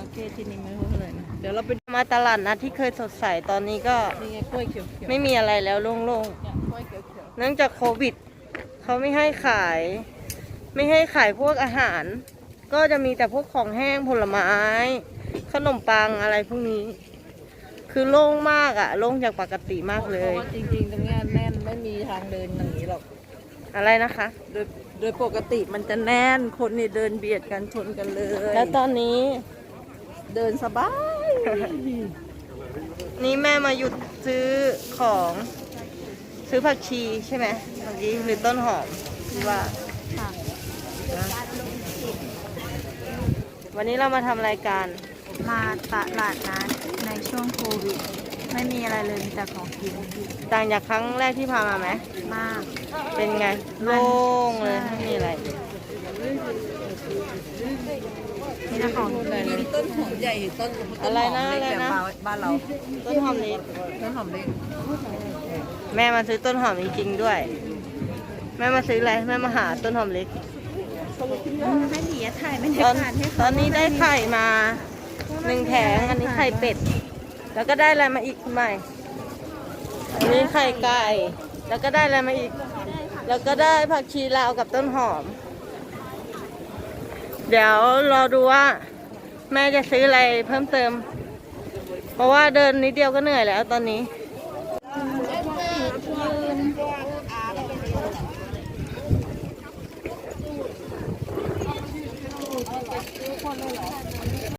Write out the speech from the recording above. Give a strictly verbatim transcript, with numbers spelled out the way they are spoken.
เคที่นี่ไม่รู้เท่าไหร่นะเดี๋ยวเราไปมาตลาดนัดที่เคยสดใสตอนนี้ก็นี่ไงกล้วยเขียวๆไม่มีอะไรแล้วโล่งเนี่ยกล้วยเขียวๆเนื่องจากโควิดเขาไม่ให้ขาย ไม่ให้ขายพวกอาหาร ก็จะมีแต่พวกของแห้งผลไม้ ขนมปังอะไรพวกนี้ คือโล่งมากอะโล่งจากปกติมากๆเลเพราะยว่าจริงๆตรงเนี้ยแน่นไม่มีทางเดินอย่างนี้หรอกอะไรนะคะโดยโดยปกติมันจะแน่นคนนี่เดินเบียดกันชนกันเลยแล้วตอนนี้เดินสบายนี่แม่มาหยุดซื้อของซื้อผักชีใช่ไหมเมื่อกี้หรือต้นหอมหรือว่าค่ะนะวันนี้เรามาทำรายการมาตลาดนัดในช่วงโควิด ไม่มีอะไรเลยมีแต่ของกินต่างจากครั้งแรกที่พามาไหมมากเป็นไงโล่งเลยไม่มีอะไรมีแต่ของกินมีต้นหอมใหญ่ต้นอะไรนะต้หมเล็กอะไรนะแบบบ้านเราต้นหอมเล็กต้นหอมเล็กแม่มาซื้อต้นหอมจริงๆด้วย แม่มาซื้ออะไรแม่มาหาต้นหอมเล็กให้หนีถ่ายบรรตยาอนกาศให้ตเขาอนนี้ได้ไข่มาหนึ่งแผงอันนี้ไข่เป็ด แล้วก็ได้อะไรมาอีกคุณใหม่อันนี้ไข่ไก่แล้วก็ได้อะไรมาอีก แล้วก็ได้ผักชีลาวกับต้นหอม เดี๋ยวรอดูว่า แม่จะซื้ออะไรเพิ่มเติม เพราะว่าเดินนิดเดียวก็เหนื่อยแล้วตอนนี้